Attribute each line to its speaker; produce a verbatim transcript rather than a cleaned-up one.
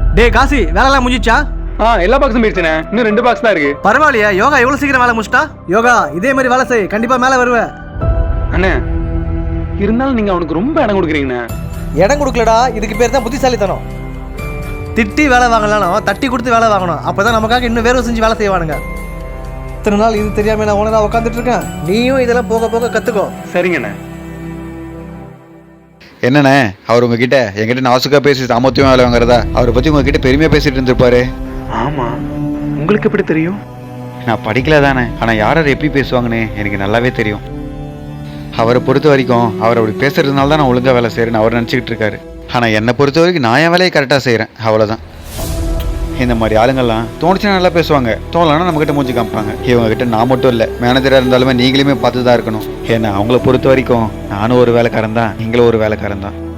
Speaker 1: டேய் காசி, வேலைலாம் முடிஞ்சிச்சா?
Speaker 2: ஆ எல்லா பாக்ஸும் போயிடுச்சுண்ணே. இன்னும் ரெண்டு பாக்ஸ் தான் இருக்கு.
Speaker 1: பரவாயில்லையா, யோகா எவ்வளவு சீக்கிரம் வேலை முடிச்சிட்டா? யோகா இதே மாதிரி வேலை செய், கண்டிப்பா மேல வருவ.
Speaker 2: அண்ணே இருந்தாலும் நீங்க அவனுக்கு ரொம்ப இடம் கொடுக்குறீங்கண்ணே.
Speaker 1: இடம் கொடுக்கலடா, இதுக்கு பேர் தான் புத்திசாலித்தனம். திட்டி வேலை வாங்கலாம், தட்டி கொடுத்து வேலை வாங்கணும். அப்பதான் நமக்காக இன்னும் வேறு செஞ்சு வேலை செய்வானுங்க. இத்தனை நாள் இது தெரியாம நான் உனதான் உட்காந்துட்டு இருக்கேன். நீயும் இதெல்லாம் போக போக கத்துக்கோ.
Speaker 2: சரிங்கண்ணே.
Speaker 3: என்னண்ணே, அவர் உங்ககிட்ட என்கிட்ட நாசுக்கா பேசி சாமர்த்தியம் வேலை வாங்குறதா அவரை பற்றி உங்ககிட்ட பெருமையாக பேசிட்டு இருந்திருப்பாரு.
Speaker 2: ஆமா, உங்களுக்கு எப்படி தெரியும்?
Speaker 3: நான் படிக்கல தானே, ஆனால் யார் யார் எப்படி பேசுவாங்கன்னு எனக்கு நல்லாவே தெரியும். அவரை பொறுத்த வரைக்கும் அவர் அப்படி பேசுறதுனால தான் நான் ஒழுங்காக வேலை செய்கிறேன்னு அவர் நினச்சிக்கிட்டு இருக்காரு. ஆனால் என்னை பொறுத்த வரைக்கும் நான் என் வேலையை கரெக்டாக செய்கிறேன், அவ்வளோதான். இந்த மாதிரி ஆளுங்கள்லாம் தோணுச்சுன்னா நல்லா பேசுவாங்க, தோணலைன்னா நம்மகிட்ட மூஞ்சி காமிப்பாங்க. இவங்ககிட்ட நான் மட்டும் இல்லை, மேனேஜராக இருந்தாலுமே நீங்களுமே பார்த்து தான் இருக்கணும். ஏன்னா அவங்கள பொறுத்த வரைக்கும் நானும் ஒரு வேலைக்காரன் தான், நீங்களும் ஒரு வேலைக்காரன் தான்.